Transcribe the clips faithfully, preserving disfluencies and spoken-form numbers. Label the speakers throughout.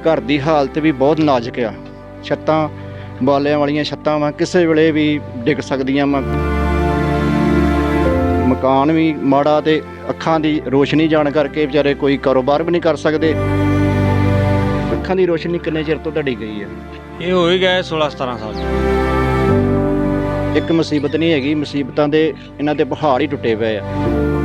Speaker 1: घर की हालत भी बहुत नाजुक आ। छत्तां बालियां वालियां छत्तां वा किसी वेले भी डिग सकदियां वा। मकान भी माड़ा ते अखां की रोशनी जाण करके बेचारे कोई कारोबार भी नहीं कर सकते। अखां की रोशनी किन्ने चिर तो तुहाडी गई है?
Speaker 2: ये हो ही गए सोलह सतारह साल।
Speaker 1: एक मुसीबत नहीं हैगी, मुसीबतां दे इन्हां दे पहाड़ ही टुटे पे आ।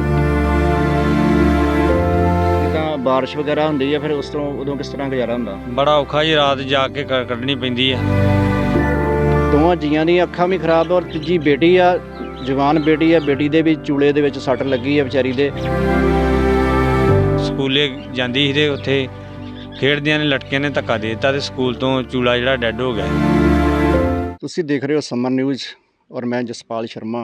Speaker 1: जिद्दां बारिश वगैरह हुंदी है फिर उस तो उदों किस तरह गुजारा हुंदा?
Speaker 2: बड़ा औखा जी, रात जाके कड्ढनी पैंदी है।
Speaker 1: दोवां जीआं दी अखां भी खराब और तीजी बेटी आ, जवान बेटी आ, बेटी दे भी चूले दे विच सੱਟ लगी है बेचारी दे।
Speaker 2: ਸਕੂਲੇ ਜਾਂਦੀ ਸੀ ਤੇ ਉੱਥੇ ਖੇਡਦਿਆਂ ਨੇ ਲਟਕਿਆਂ ਨੇ ਧੱਕਾ ਦੇ ਦਿੱਤਾ ਤੇ ਸਕੂਲ ਤੋਂ ਚੂਲਾ ਜਿਹੜਾ ਡੈੱਡ ਹੋ ਗਿਆ।
Speaker 1: ਤੁਸੀਂ ਦੇਖ ਰਹੇ ਹੋ ਸਮਰ ਨਿਊਜ਼ ਔਰ ਮੈਂ ਜਸਪਾਲ ਸ਼ਰਮਾ।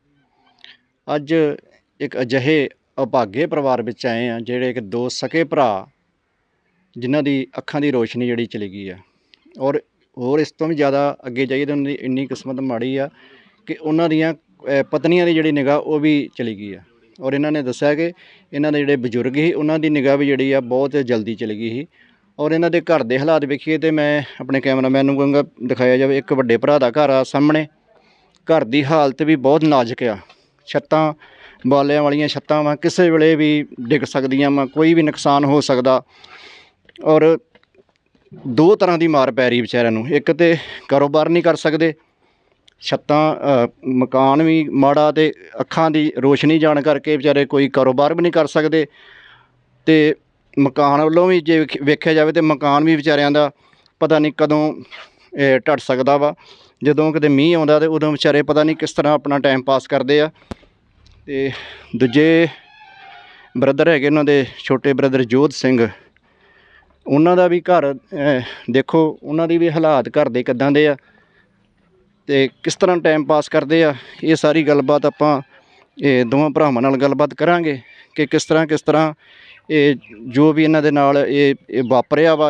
Speaker 1: ਅੱਜ ਇੱਕ ਅਜਿਹੇ ਅਭਾਗੇ ਪਰਿਵਾਰ ਵਿੱਚ ਆਏ ਆ ਜਿਹੜੇ ਕਿ ਦੋ ਸਕੇ ਭਰਾ ਜਿਨ੍ਹਾਂ ਦੀ ਅੱਖਾਂ ਦੀ ਰੋਸ਼ਨੀ ਜਿਹੜੀ ਚਲੀ ਗਈ ਆ। ਔਰ ਹੋਰ ਇਸ ਤੋਂ ਵੀ ਜ਼ਿਆਦਾ ਅੱਗੇ ਜਾਈਏ ਤਾਂ ਉਹਨਾਂ ਦੀ ਇੰਨੀ ਕਿਸਮਤ ਮਾੜੀ ਆ ਕਿ ਉਹਨਾਂ ਦੀਆਂ ਪਤਨੀਆਂ ਦੀ ਜਿਹੜੀ ਨਿਗਾਹ ਉਹ ਵੀ ਚਲੀ ਗਈ ਆ। ਔਰ ਇਹਨਾਂ ਨੇ ਦੱਸਿਆ ਕਿ ਇਹਨਾਂ ਦੇ ਜਿਹੜੇ ਬਜ਼ੁਰਗ ਸੀ ਉਹਨਾਂ ਦੀ ਨਿਗਾਹ ਵੀ ਜਿਹੜੀ ਆ ਬਹੁਤ ਜਲਦੀ ਚਲੀ ਗਈ ਸੀ। ਔਰ ਇਹਨਾਂ ਦੇ ਘਰ ਦੇ ਹਾਲਾਤ ਵੇਖੀਏ ਤਾਂ ਮੈਂ ਆਪਣੇ ਕੈਮਰਾਮੈਨ ਨੂੰ ਕਹਾਂਗਾ ਦਿਖਾਇਆ ਜਾਵੇ। ਇੱਕ ਵੱਡੇ ਭਰਾ ਦਾ ਘਰ ਆ ਸਾਹਮਣੇ, ਘਰ ਦੀ ਹਾਲਤ ਵੀ ਬਹੁਤ ਨਾਜ਼ੁਕ ਆ। ਛੱਤਾਂ ਬਾਲਿਆਂ ਵਾਲੀਆਂ ਛੱਤਾਂ ਵਾ, ਕਿਸੇ ਵੇਲੇ ਵੀ ਡਿੱਗ ਸਕਦੀਆਂ ਵਾ, ਕੋਈ ਵੀ ਨੁਕਸਾਨ ਹੋ ਸਕਦਾ। ਔਰ ਦੋ ਤਰ੍ਹਾਂ ਦੀ ਮਾਰ ਪੈ ਰਹੀ ਵਿਚਾਰਿਆਂ ਨੂੰ, ਇੱਕ ਤਾਂ ਕਾਰੋਬਾਰ ਨਹੀਂ ਕਰ ਸਕਦੇ, ਛੱਤਾਂ ਮਕਾਨ ਵੀ ਮਾੜਾ ਤੇ ਅੱਖਾਂ ਦੀ ਰੋਸ਼ਨੀ ਜਾਣ ਕਰਕੇ ਵਿਚਾਰੇ ਕੋਈ ਕਾਰੋਬਾਰ ਵੀ ਨਹੀਂ ਕਰ ਸਕਦੇ। ਅਤੇ ਮਕਾਨ ਵੱਲੋਂ ਵੀ ਜੇ ਵੇਖਿਆ ਜਾਵੇ ਤਾਂ ਮਕਾਨ ਵੀ ਵਿਚਾਰਿਆਂ ਦਾ ਪਤਾ ਨਹੀਂ ਕਦੋਂ ਢੱਟ ਸਕਦਾ ਵਾ। ਜਦੋਂ ਕਿਤੇ ਮੀਂਹ ਆਉਂਦਾ ਤਾਂ ਉਦੋਂ ਵਿਚਾਰੇ ਪਤਾ ਨਹੀਂ ਕਿਸ ਤਰ੍ਹਾਂ ਆਪਣਾ ਟਾਈਮ ਪਾਸ ਕਰਦੇ ਆ। ਅਤੇ ਦੂਜੇ ਬ੍ਰਦਰ ਹੈਗੇ ਉਹਨਾਂ ਦੇ ਛੋਟੇ ਬ੍ਰਦਰ ਜੋਧ ਸਿੰਘ, ਉਹਨਾਂ ਦਾ ਵੀ ਘਰ ਦੇਖੋ, ਉਹਨਾਂ ਦੀ ਵੀ ਹਾਲਾਤ ਘਰ ਦੇ ਕਿੱਦਾਂ ਦੇ ਆ ਅਤੇ ਕਿਸ ਤਰ੍ਹਾਂ ਟਾਈਮ ਪਾਸ ਕਰਦੇ ਆ। ਇਹ ਸਾਰੀ ਗੱਲਬਾਤ ਆਪਾਂ ਇਹ ਦੋਵਾਂ ਭਰਾਵਾਂ ਨਾਲ ਗੱਲਬਾਤ ਕਰਾਂਗੇ ਕਿ ਕਿਸ ਤਰ੍ਹਾਂ ਕਿਸ ਤਰ੍ਹਾਂ ਇਹ ਜੋ ਵੀ ਇਹਨਾਂ ਦੇ ਨਾਲ ਇਹ ਇਹ ਵਾਪਰਿਆ ਵਾ,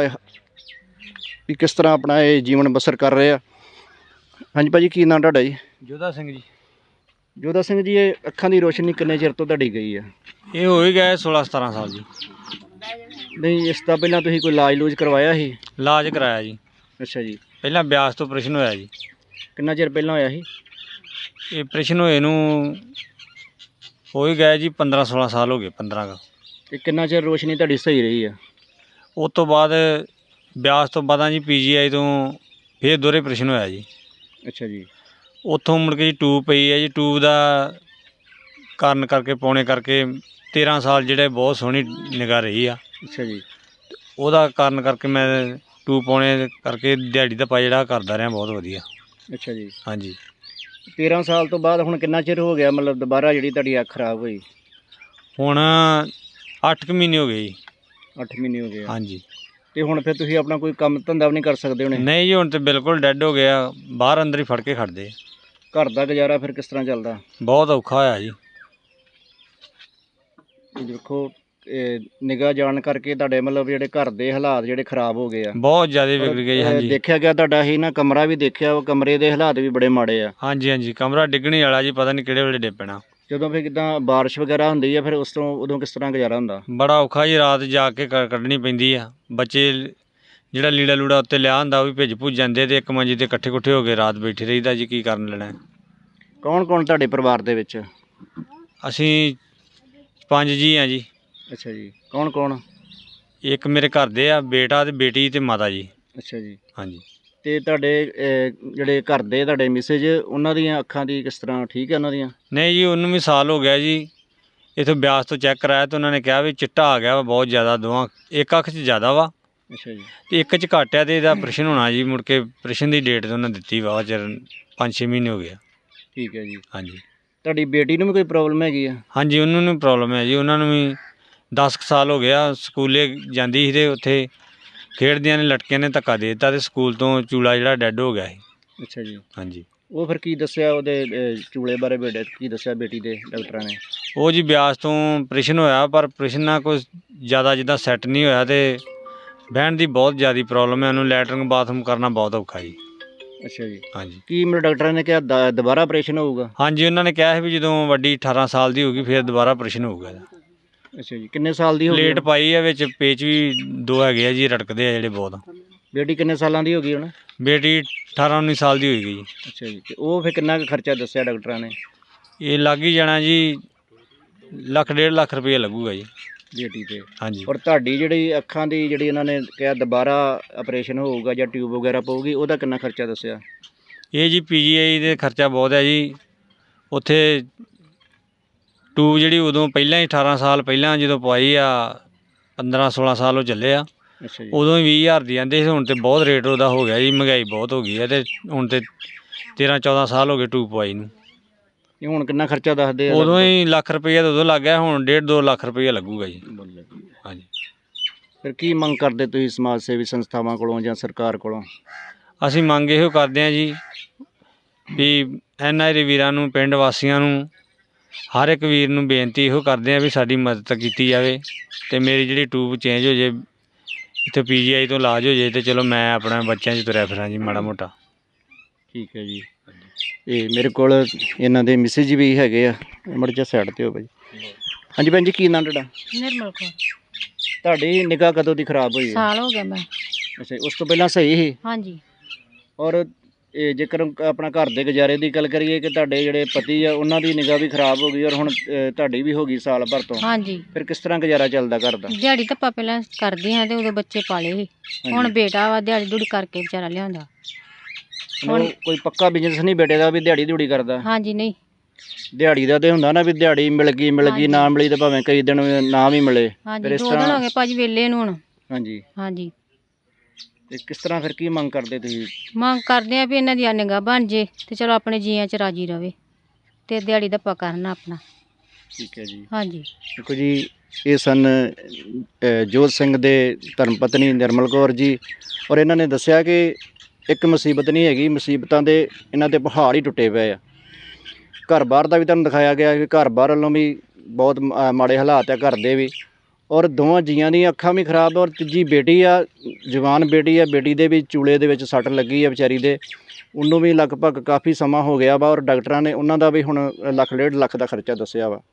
Speaker 1: ਵੀ ਕਿਸ ਤਰ੍ਹਾਂ ਆਪਣਾ ਇਹ ਜੀਵਨ ਬਸਰ ਕਰ ਰਹੇ ਆ। ਹਾਂਜੀ ਭਾਅ ਜੀ, ਕੀ ਨਾਂ ਤੁਹਾਡਾ ਜੀ?
Speaker 2: ਜੋਧਾ ਸਿੰਘ ਜੀ।
Speaker 1: ਜੋਧਾ ਸਿੰਘ ਜੀ, ਇਹ ਅੱਖਾਂ ਦੀ ਰੋਸ਼ਨੀ ਕਿੰਨੇ ਚਿਰ ਤੋਂ ਤੁਹਾਡੀ ਗਈ ਆ?
Speaker 2: ਇਹ ਹੋ ਹੀ ਗਏ ਸੋਲ੍ਹਾਂ ਸਤਾਰ੍ਹਾਂ ਸਾਲ ਜੀ।
Speaker 1: ਨਹੀਂ, ਇਸ ਤੋਂ ਪਹਿਲਾਂ ਤੁਸੀਂ ਕੋਈ ਇਲਾਜ ਲੂਜ ਕਰਵਾਇਆ ਸੀ?
Speaker 2: ਇਲਾਜ ਕਰਾਇਆ ਜੀ।
Speaker 1: ਅੱਛਾ ਜੀ।
Speaker 2: ਪਹਿਲਾਂ ਬਿਆਸ ਤੋਂ ਆਪਰੇਸ਼ਨ ਹੋਇਆ ਜੀ।
Speaker 1: ਕਿੰਨਾ ਚਿਰ ਪਹਿਲਾਂ ਹੋਇਆ ਸੀ?
Speaker 2: ਇਹ ਆਪਰੇਸ਼ਨ ਹੋਏ ਨੂੰ ਹੋ ਹੀ ਗਏ ਜੀ ਪੰਦਰਾਂ ਸੋਲ੍ਹਾਂ ਸਾਲ ਹੋ ਗਏ, ਪੰਦਰਾਂ ਕੁ।
Speaker 1: ਅਤੇ ਕਿੰਨਾ ਚਿਰ ਰੋਸ਼ਨੀ ਤੁਹਾਡੀ ਸਹੀ ਰਹੀ ਆ?
Speaker 2: ਉਸ ਤੋਂ ਬਾਅਦ ਬਿਆਸ ਤੋਂ ਬਾਅਦ ਜੀ ਪੀ ਜੀ ਆਈ ਤੋਂ ਫਿਰ ਦੋਹਰੇ ਆਪਰੇਸ਼ਨ ਹੋਇਆ ਜੀ।
Speaker 1: ਅੱਛਾ ਜੀ।
Speaker 2: ਉੱਥੋਂ ਮੁੜ ਕੇ ਜੀ ਟੂਬ ਪਈ ਹੈ ਜੀ। ਟੂਬ ਦਾ ਕਾਰਨ ਕਰਕੇ ਪਾਉਣੇ ਕਰਕੇ ਤੇਰ੍ਹਾਂ ਸਾਲ ਜਿਹੜੇ ਬਹੁਤ ਸੋਹਣੀ ਨਿਗਾਹ ਰਹੀ ਆ।
Speaker 1: ਅੱਛਾ ਜੀ।
Speaker 2: ਉਹਦਾ ਕਾਰਨ ਕਰਕੇ ਮੈਂ ਟੂਬ ਪਾਉਣੇ ਕਰਕੇ ਦਿਹਾੜੀ ਦਾ ਪਾ ਜਿਹੜਾ ਕਰਦਾ ਰਿਹਾ ਬਹੁਤ ਵਧੀਆ।
Speaker 1: ਅੱਛਾ ਜੀ।
Speaker 2: ਹਾਂਜੀ।
Speaker 1: ਤੇਰ੍ਹਾਂ ਸਾਲ ਤੋਂ ਬਾਅਦ ਹੁਣ ਕਿੰਨਾ ਚਿਰ ਹੋ ਗਿਆ ਮਤਲਬ ਦੁਬਾਰਾ ਜਿਹੜੀ ਤੁਹਾਡੀ ਅੱਖ ਖਰਾਬ ਹੋਈ?
Speaker 2: ਹੁਣ ਅੱਠ ਕੁ ਮਹੀਨੇ ਹੋ ਗਏ ਜੀ।
Speaker 1: ਅੱਠ ਮਹੀਨੇ ਹੋ ਗਏ?
Speaker 2: ਹਾਂਜੀ।
Speaker 1: ਅਤੇ ਹੁਣ ਫਿਰ ਤੁਸੀਂ ਆਪਣਾ ਕੋਈ ਕੰਮ ਧੰਦਾ ਵੀ ਨਹੀਂ ਕਰ ਸਕਦੇ ਹੋਣੇ?
Speaker 2: ਨਹੀਂ ਜੀ, ਹੁਣ ਤਾਂ ਬਿਲਕੁਲ ਡੈੱਡ ਹੋ ਗਿਆ, ਬਾਹਰ ਅੰਦਰ ਹੀ ਫੜ ਕੇ ਖੜਦੇ।
Speaker 1: ਘਰ ਦਾ ਗੁਜ਼ਾਰਾ ਫਿਰ ਕਿਸ ਤਰ੍ਹਾਂ ਚੱਲਦਾ?
Speaker 2: ਬਹੁਤ ਔਖਾ ਹੋਇਆ ਜੀ।
Speaker 1: ਦੇਖੋ, ਨਿਗਾਹ ਜਾਣ ਕਰਕੇ ਤੁਹਾਡੇ ਮਤਲਬ ਜਿਹੜੇ ਘਰ ਦੇ ਹਾਲਾਤ ਜਿਹੜੇ ਖਰਾਬ ਹੋ ਗਏ ਆ,
Speaker 2: ਬਹੁਤ ਜ਼ਿਆਦਾ ਵਿਗੜ ਗਏ। ਹਾਂਜੀ।
Speaker 1: ਦੇਖਿਆ ਗਿਆ ਤੁਹਾਡਾ ਹੀ ਨਾ ਕਮਰਾ ਵੀ ਦੇਖਿਆ, ਉਹ ਕਮਰੇ ਦੇ ਹਾਲਾਤ ਵੀ ਬੜੇ ਮਾੜੇ ਆ।
Speaker 2: ਹਾਂਜੀ ਹਾਂਜੀ, ਕਮਰਾ ਡਿੱਗਣੇ ਵਾਲਾ ਜੀ, ਪਤਾ ਨਹੀਂ ਕਿਹੜੇ ਵੇਲੇ ਡਿੱਗ ਪੈਣਾ।
Speaker 1: ਜਦੋਂ ਫਿਰ ਕਿੱਦਾਂ ਬਾਰਿਸ਼ ਵਗੈਰਾ ਹੁੰਦੀ ਆ ਫਿਰ ਉਸ ਤੋਂ ਉਦੋਂ ਕਿਸ ਤਰ੍ਹਾਂ ਗੁਜ਼ਾਰਾ ਹੁੰਦਾ?
Speaker 2: ਬੜਾ ਔਖਾ ਜੀ, ਰਾਤ ਜਾ ਕੇ ਕੱਢਣੀ ਪੈਂਦੀ ਆ। ਬੱਚੇ ਜਿਹੜਾ ਲੀੜਾ ਲੂੜਾ ਉੱਤੇ ਲਿਆ ਹੁੰਦਾ ਉਹ ਵੀ ਭਿੱਜ ਭੁੱਜ ਜਾਂਦੇ ਅਤੇ ਇੱਕ ਮੰਜੀ 'ਤੇ ਇਕੱਠੇ ਇਕੱਠੇ ਹੋ ਕੇ ਰਾਤ ਬੈਠੇ ਰਹੀਦਾ ਜੀ। ਕੀ ਕਰਨ ਲੈਣਾ?
Speaker 1: ਕੌਣ ਕੌਣ ਤੁਹਾਡੇ ਪਰਿਵਾਰ ਦੇ ਵਿੱਚ?
Speaker 2: ਅਸੀਂ ਪੰਜ ਜੀ ਹਾਂ ਜੀ।
Speaker 1: ਅੱਛਾ ਜੀ। ਕੌਣ ਕੌਣ?
Speaker 2: ਇੱਕ ਮੇਰੇ ਘਰ ਦੇ ਆ, ਬੇਟਾ ਅਤੇ ਬੇਟੀ ਅਤੇ ਮਾਤਾ ਜੀ।
Speaker 1: ਅੱਛਾ ਜੀ।
Speaker 2: ਹਾਂਜੀ।
Speaker 1: ਅਤੇ ਤੁਹਾਡੇ ਜਿਹੜੇ ਘਰ ਦੇ ਤੁਹਾਡੇ ਮਿਸੇਜ, ਉਹਨਾਂ ਦੀਆਂ ਅੱਖਾਂ ਦੀ ਕਿਸ ਤਰ੍ਹਾਂ, ਠੀਕ ਹੈ ਉਹਨਾਂ ਦੀਆਂ?
Speaker 2: ਨਹੀਂ ਜੀ, ਉਹਨੂੰ ਵੀ ਸਾਲ ਹੋ ਗਿਆ ਜੀ। ਇੱਥੋਂ ਬਿਆਸ ਤੋਂ ਚੈੱਕ ਕਰਾਇਆ ਤਾਂ ਉਹਨਾਂ ਨੇ ਕਿਹਾ ਵੀ ਚਿੱਟਾ ਆ ਗਿਆ ਵਾ ਬਹੁਤ ਜ਼ਿਆਦਾ, ਦੋਵਾਂ ਇੱਕ ਅੱਖ 'ਚ ਜ਼ਿਆਦਾ ਵਾ
Speaker 1: ਅੱਛਾ ਜੀ।
Speaker 2: ਅਤੇ ਇੱਕ 'ਚ ਘੱਟ ਆ ਅਤੇ ਇਹਦਾ ਆਪਰੇਸ਼ਨ ਹੋਣਾ ਜੀ। ਮੁੜ ਕੇ ਆਪਰੇਸ਼ਨ ਦੀ ਡੇਟ ਤਾਂ ਉਹਨਾਂ ਦਿੱਤੀ ਵਾ ਚਿਰ, ਪੰਜ ਛੇ ਮਹੀਨੇ ਹੋ ਗਏ ਆ।
Speaker 1: ਠੀਕ ਹੈ ਜੀ।
Speaker 2: ਹਾਂਜੀ।
Speaker 1: ਤੁਹਾਡੀ ਬੇਟੀ ਨੂੰ ਵੀ ਕੋਈ ਪ੍ਰੋਬਲਮ ਹੈਗੀ ਆ?
Speaker 2: ਹਾਂਜੀ, ਉਹਨਾਂ ਨੂੰ ਪ੍ਰੋਬਲਮ ਹੈ ਜੀ। ਉਹਨਾਂ ਨੂੰ ਵੀ ਦਸ ਕੁ ਸਾਲ ਹੋ ਗਿਆ, ਸਕੂਲੇ ਜਾਂਦੀ ਸੀ ਅਤੇ ਉੱਥੇ ਖੇਡਦਿਆਂ ਨੇ ਲਟਕਿਆਂ ਨੇ ਧੱਕਾ ਦੇ ਦਿੱਤਾ ਅਤੇ ਸਕੂਲ ਤੋਂ ਚੂਲਾ ਜਿਹੜਾ ਡੈੱਡ ਹੋ ਗਿਆ ਸੀ।
Speaker 1: ਅੱਛਾ ਜੀ।
Speaker 2: ਹਾਂਜੀ।
Speaker 1: ਉਹ ਫਿਰ ਕੀ ਦੱਸਿਆ ਉਹਦੇ ਚੂਲੇ ਬਾਰੇ, ਬੇਟੇ ਕੀ ਦੱਸਿਆ ਬੇਟੀ ਦੇ ਡਾਕਟਰਾਂ ਨੇ?
Speaker 2: ਉਹ ਜੀ ਬਿਆਸ ਤੋਂ ਆਪਰੇਸ਼ਨ ਹੋਇਆ, ਪਰ ਆਪਰੇਸ਼ਨ ਨਾਲ ਕੋਈ ਜ਼ਿਆਦਾ ਜਿੱਦਾਂ ਸੈੱਟ ਨਹੀਂ ਹੋਇਆ ਅਤੇ ਬਹਿਣ ਦੀ ਬਹੁਤ ਜ਼ਿਆਦਾ ਪ੍ਰੋਬਲਮ ਹੈ। ਉਹਨੂੰ ਲੈਟਰਿੰਗ ਬਾਥਰੂਮ ਕਰਨਾ ਬਹੁਤ ਔਖਾ ਜੀ।
Speaker 1: ਅੱਛਾ ਜੀ।
Speaker 2: ਹਾਂਜੀ।
Speaker 1: ਕੀ ਮੇਰੇ ਡਾਕਟਰਾਂ ਨੇ ਕਿਹਾ ਦ ਦੁਬਾਰਾ ਆਪਰੇਸ਼ਨ ਹੋਊਗਾ?
Speaker 2: ਹਾਂਜੀ, ਉਹਨਾਂ ਨੇ ਕਿਹਾ ਸੀ ਵੀ ਜਦੋਂ ਵੱਡੀ ਅਠਾਰਾਂ ਸਾਲ ਦੀ ਹੋਊਗੀ ਫਿਰ ਦੁਬਾਰਾ ਆਪਰੇਸ਼ਨ ਹੋਊਗਾ ਇਹਦਾ।
Speaker 1: ਅੱਛਾ ਜੀ, ਕਿੰਨੇ ਸਾਲ ਦੀ ਹੋ ਗਈ
Speaker 2: ਪਲੇਟ
Speaker 1: ਹੁਣ?
Speaker 2: ਪਾਈ ਆ, ਵਿੱਚ ਪੇਚ ਵੀ ਦੋ ਹੈਗੇ ਆ ਜੀ, ਰੜਕਦੇ ਆ ਜਿਹੜੇ ਬਹੁਤ।
Speaker 1: ਬੇਟੀ ਕਿੰਨੇ ਸਾਲਾਂ ਦੀ ਹੋ ਗਈ ਹੁਣ?
Speaker 2: ਬੇਟੀ ਅਠਾਰਾਂ ਉੱਨੀ ਸਾਲ ਦੀ ਹੋਈ ਗਈ ਜੀ।
Speaker 1: ਅੱਛਾ ਜੀ, ਤੇ ਉਹ ਫਿਰ ਕਿੰਨਾ ਕੁ ਖਰਚਾ ਦੱਸਿਆ ਡਾਕਟਰਾਂ ਨੇ?
Speaker 2: ਇਹ ਲੱਗ ਹੀ ਜਾਣਾ ਜੀ, ਲੱਖ ਡੇਢ ਲੱਖ ਰੁਪਏ ਲੱਗੂਗਾ ਜੀ
Speaker 1: ਬੇਟੀ ਤੇ।
Speaker 2: ਹਾਂਜੀ।
Speaker 1: ਔਰ ਤੁਹਾਡੀ ਜਿਹੜੀ ਅੱਖਾਂ ਦੀ ਜਿਹੜੀ ਇਹਨਾਂ ਨੇ ਕਿਹਾ ਦੁਬਾਰਾ ਆਪਰੇਸ਼ਨ ਹੋਊਗਾ ਜਾਂ ਟਿਊਬ ਵਗੈਰਾ ਪਊਗੀ, ਉਹਦਾ ਕਿੰਨਾ ਖਰਚਾ ਦੱਸਿਆ?
Speaker 2: ਇਹ ਜੀ ਪੀ ਜੀ ਆਈ ਦੇ ਖਰਚਾ ਬਹੁਤ ਹੈ ਜੀ। ਉੱਥੇ ਟਿਊਬ ਜਿਹੜੀ ਉਦੋਂ ਪਹਿਲਾਂ ਹੀ ਅਠਾਰਾਂ ਸਾਲ ਪਹਿਲਾਂ ਜਦੋਂ ਪਵਾਈ ਆ, ਪੰਦਰਾਂ ਸੋਲਾਂ ਸਾਲ ਉਹ ਚੱਲੇ ਆ,
Speaker 1: ਅੱਛਾ ਜੀ।
Speaker 2: ਉਦੋਂ ਹੀ ਵੀਹ ਹਜ਼ਾਰ ਦੀ ਆਂਦੇ ਸੀ। ਹੁਣ ਤੇ ਬਹੁਤ ਰੇਟ ਉਹਦਾ ਹੋ ਗਿਆ ਜੀ, ਮਹਿੰਗਾਈ ਬਹੁਤ ਹੋ ਗਈ ਹੈ, ਤੇ ਹੁਣ ਤੇ ਤੇਰਾਂ ਚੌਦਾਂ ਸਾਲ ਹੋ ਗਏ ਟਿਊਬ ਪਵਾਈ ਨੂੰ।
Speaker 1: ਇਹ ਹੁਣ ਕਿੰਨਾ ਖਰਚਾ ਦੱਸਦੇ ਆ?
Speaker 2: ਉਦੋਂ ਹੀ ਲੱਖ ਰੁਪਈਆ ਤਾਂ ਉਦੋਂ ਲੱਗ ਗਿਆ, ਹੁਣ ਡੇਢ ਦੋ ਲੱਖ ਰੁਪਈਆ ਲੱਗੂਗਾ ਜੀ। ਹਾਂਜੀ।
Speaker 1: ਫਿਰ ਕੀ ਮੰਗ ਕਰਦੇ ਤੁਸੀਂ ਸਮਾਜ ਸੇਵੀ ਸੰਸਥਾਵਾਂ ਕੋਲੋਂ ਜਾਂ ਸਰਕਾਰ ਕੋਲੋਂ?
Speaker 2: ਅਸੀਂ ਮੰਗ ਇਹੋ ਕਰਦੇ ਹਾਂ ਜੀ ਵੀ ਐਨ ਆਰ ਆਈ ਵੀਰਾਂ ਨੂੰ, ਪਿੰਡ ਵਾਸੀਆਂ ਨੂੰ, ਹਰ ਇੱਕ ਵੀਰ ਨੂੰ ਬੇਨਤੀ ਇਹੋ ਕਰਦੇ ਹਾਂ ਵੀ ਸਾਡੀ ਮਦਦ ਕੀਤੀ ਜਾਵੇ, ਅਤੇ ਮੇਰੀ ਜਿਹੜੀ ਟਿਊਬ ਚੇਂਜ ਹੋ ਜੇ, ਇੱਥੇ ਪੀ ਜੀ ਆਈ ਤੋਂ ਇਲਾਜ ਹੋ ਜੇ, ਅਤੇ ਚਲੋ ਮੈਂ ਆਪਣਾ ਬੱਚਿਆਂ 'ਚ ਤੁਰਿਆ ਫਿਰਾਂ ਜੀ ਮਾੜਾ ਮੋਟਾ।
Speaker 1: ਠੀਕ ਹੈ ਜੀ। ਇਹ ਮੇਰੇ ਕੋਲ ਇਹਨਾਂ ਦੇ ਮਿਸਿਜ ਵੀ ਹੈਗੇ ਆ, ਮੜ ਜਾ ਸਾਈਡ 'ਤੇ ਹੋ ਭਾਈ। ਹਾਂਜੀ ਭੈਣ ਜੀ, ਕੀ ਨਾਂ ਤੁਹਾਡਾ?
Speaker 3: ਨਿਰਮਲ ਕੌਰ।
Speaker 1: ਤੁਹਾਡੀ ਨਿਗਾਹ ਕਦੋਂ ਦੀ ਖਰਾਬ ਹੋਈ ਹੈ?
Speaker 3: ਸਾਲ ਹੋ ਗਿਆ ਮੈਂ।
Speaker 1: ਅੱਛਾ, ਉਸ ਤੋਂ ਪਹਿਲਾਂ ਸਹੀ ਸੀ?
Speaker 3: ਹਾਂਜੀ।
Speaker 1: ਔਰ ਇਹ ਜੇਕਰ ਆਪਣਾ ਘਰ ਦੇ ਗੁਜ਼ਾਰੇ ਦੀ ਗੱਲ ਕਰੀਏ ਕਿ ਤੁਹਾਡੇ ਜਿਹੜੇ ਪਤੀ ਆ ਉਹਨਾਂ ਦੀ ਨਿਗਾਹ ਵੀ ਖਰਾਬ ਹੋ ਗਈ ਔਰ ਹੁਣ ਅ, ਤੁਹਾਡੀ ਵੀ ਹੋ ਗਈ ਸਾਲ ਭਰ ਤੋਂ,
Speaker 3: ਹਾਂਜੀ।
Speaker 1: ਫਿਰ ਕਿਸ ਤਰ੍ਹਾਂ ਗੁਜ਼ਾਰਾ ਚੱਲਦਾ ਘਰ ਦਾ?
Speaker 3: ਦਿਹਾੜੀ ਧੱਪਾ ਪਹਿਲਾਂ ਕਰਦੇ ਹਾਂ ਤੇ ਉਦੋਂ ਬੱਚੇ ਪਾਲੇ ਸੀ। ਹੁਣ ਬੇਟਾ ਵਾ, ਦਿਹਾੜੀ ਦੂੜੀ ਕਰਕੇ ਵਿਚਾਰਾ ਲਿਆਉਂਦਾ।
Speaker 1: ਹੁਣ ਕੋਈ ਪੱਕਾ ਬਿਜ਼ਨਸ ਨਹੀਂ ਬੇਟੇ ਦਾ ਵੀ ਦਿਹਾੜੀ ਦਿਹੜੀ ਕਰਦਾ?
Speaker 3: ਹਾਂਜੀ। ਨਹੀਂ,
Speaker 1: ਦਿਹਾੜੀ ਦਾ ਤੇ ਹੁੰਦਾ ਨਾ ਵੀ ਦਿਹਾੜੀ ਮਿਲ ਗਈ ਮਿਲ ਗਈ, ਨਾ ਮਿਲੀ ਤਾਂ ਭਾਵੇਂ ਕਈ ਦਿਨ ਨਾ ਵੀ ਮਿਲੇ।
Speaker 3: ਹਾਂਜੀ।
Speaker 1: ਫਿਰ ਇਸ
Speaker 3: ਦੋ ਦਿਨ ਹੋ
Speaker 1: ਤਰ੍ਹਾਂ
Speaker 3: ਗਏ ਭਾਜੀ ਵੇਲੇ ਨੂੰ ਹੁਣ।
Speaker 1: ਹਾਂਜੀ।
Speaker 3: ਹਾਂਜੀ।
Speaker 1: ਤੇ ਕਿਸ ਤਰ੍ਹਾਂ ਫਿਰ ਕੀ ਮੰਗ ਕਰਦੇ ਤੁਸੀਂ?
Speaker 3: ਮੰਗ ਕਰਦੇ ਆ ਵੀ ਇਹਨਾਂ ਦੀ ਨਿਗਾਹ ਬਣ ਜੇ ਤੇ ਚਲੋ ਆਪਣੇ ਜੀਆਂ 'ਚ ਰਾਜੀ ਰਵੇ ਤੇ ਦਿਹਾੜੀ ਧੱਪਾ ਕਰਨਾ ਆਪਣਾ।
Speaker 1: ਠੀਕ ਹੈ ਜੀ।
Speaker 3: ਹਾਂਜੀ।
Speaker 1: ਦੇਖੋ ਜੀ, ਇਹ ਸਨ ਅ, ਜੋਤ ਸਿੰਘ ਦੇ ਧਰਮ ਪਤਨੀ ਨਿਰਮਲ ਕੌਰ ਜੀ, ਔਰ ਇਹਨਾਂ ਨੇ ਦੱਸਿਆ ਕਿ ਇੱਕ ਮੁਸੀਬਤ ਨਹੀਂ ਹੈਗੀ, ਮੁਸੀਬਤਾਂ ਦੇ ਇਹਨਾਂ ਦੇ ਪਹਾੜ ਹੀ ਟੁੱਟੇ ਪਏ ਆ। ਘਰ ਬਾਹਰ ਦਾ ਵੀ ਤੁਹਾਨੂੰ ਦਿਖਾਇਆ ਗਿਆ ਕਿ ਘਰ ਬਾਹਰ ਵੱਲੋਂ ਵੀ ਬਹੁਤ ਮ- ਮਾੜੇ ਹਾਲਾਤ ਆ ਘਰ ਦੇ ਵੀ, ਔਰ ਦੋਵਾਂ ਜੀਆਂ ਦੀਆਂ ਅੱਖਾਂ ਵੀ ਖਰਾਬ, ਔਰ ਤੀਜੀ ਬੇਟੀ ਆ, ਜਵਾਨ ਬੇਟੀ ਆ, ਬੇਟੀ ਦੇ ਵੀ ਚੂਲੇ ਦੇ ਵਿੱਚ ਸੱਟ ਲੱਗੀ ਆ ਵਿਚਾਰੀ ਦੇ, ਉਹਨੂੰ ਵੀ ਲਗਭਗ ਕਾਫੀ ਸਮਾਂ ਹੋ ਗਿਆ ਵਾ, ਔਰ ਡਾਕਟਰਾਂ ਨੇ ਉਹਨਾਂ ਦਾ ਵੀ ਹੁਣ ਲੱਖ ਡੇਢ ਲੱਖ ਦਾ ਖਰਚਾ ਦੱਸਿਆ ਵਾ।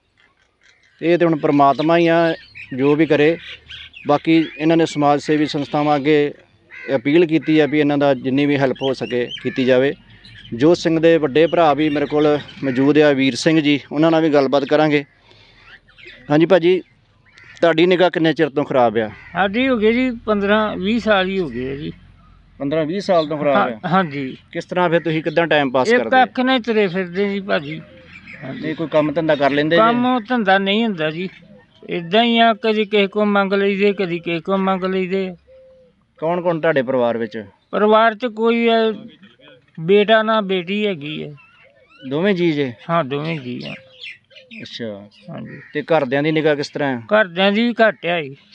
Speaker 1: ਇਹ ਤਾਂ ਹੁਣ ਪਰਮਾਤਮਾ ਹੀ ਆ ਜੋ ਵੀ ਕਰੇ। ਬਾਕੀ ਇਹਨਾਂ ਨੇ ਸਮਾਜ ਸੇਵੀ ਸੰਸਥਾਵਾਂ ਅੱਗੇ ਅਪੀਲ ਕੀਤੀ ਆ ਵੀ ਇਹਨਾਂ ਦਾ ਜਿੰਨੀ ਵੀ ਹੈਲਪ ਹੋ ਸਕੇ ਕੀਤੀ ਜਾਵੇ। ਜੋਤ ਸਿੰਘ ਦੇ ਵੱਡੇ ਭਰਾ ਵੀ ਮੇਰੇ ਕੋਲ ਮੌਜੂਦ ਆ, ਵੀਰ ਸਿੰਘ ਜੀ, ਉਹਨਾਂ ਨਾਲ ਵੀ ਗੱਲਬਾਤ ਕਰਾਂਗੇ। ਹਾਂਜੀ ਭਾਜੀ, ਤੁਹਾਡੀ ਨਿਗਾਹ ਕਿੰਨੇ ਚਿਰ ਤੋਂ ਖਰਾਬ ਆ?
Speaker 4: ਸਾਡੀ ਹੋ ਗਈ ਜੀ ਪੰਦਰਾਂ ਵੀਹ ਸਾਲ ਹੀ ਹੋ ਗਏ ਆ ਜੀ।
Speaker 1: ਪੰਦਰਾਂ ਵੀਹ ਸਾਲ ਤੋਂ ਖਰਾਬ ਆ?
Speaker 4: ਹਾਂ- ਹਾਂਜੀ।
Speaker 1: ਕਿਸ ਤਰ੍ਹਾਂ ਫਿਰ ਤੁਸੀਂ ਕਿੱਦਾਂ ਟਾਈਮ ਪਾਸ
Speaker 4: ਇੱਕ
Speaker 1: ਕਰਦੇ?
Speaker 4: ਅੱਖ ਨਾਲ ਹੀ ਤੁਰੇ ਫਿਰਦੇ ਜੀ ਭਾਜੀ।
Speaker 1: ਨਹੀਂ ਕੋਈ ਕੰਮ ਧੰਦਾ ਕਰ ਲੈਂਦੇ ਜੀ?
Speaker 4: ਕੰਮ ਧੰਦਾ ਨਹੀਂ ਹੁੰਦਾ ਜੀ, ਇਦਾਂ ਹੀ ਆ, ਕਦੀ ਕਿਸੇ ਕੋਲ ਮੰਗ ਲਈਦੇ, ਕਦੀ ਕਿਸੇ ਕੋਲ ਮੰਗ ਲਈਦੇ।
Speaker 1: ਕੌਣ ਕੌਣ ਤੁਹਾਡੇ ਪਰਿਵਾਰ ਵਿੱਚ?
Speaker 4: ਪਰਿਵਾਰ 'ਚ ਕੋਈ ਹੈ, ਬੇਟਾ ਨਾ ਬੇਟੀ ਹੈਗੀ ਹੈ।
Speaker 1: ਦੋਵੇਂ ਜੀ ਜੇ?
Speaker 4: ਹਾਂ, ਦੋਵੇਂ ਜੀ ਆ।
Speaker 1: ਅੱਛਾ।
Speaker 4: ਹਾਂਜੀ।
Speaker 1: ਤੇ ਘਰਦਿਆਂ ਦੀ ਨਿਗਾਹ ਕਿਸ ਤਰ੍ਹਾਂ ਹੈ?
Speaker 4: ਘਰਦਿਆਂ ਦੀ ਵੀ ਘੱਟ ਆ ਜੀ,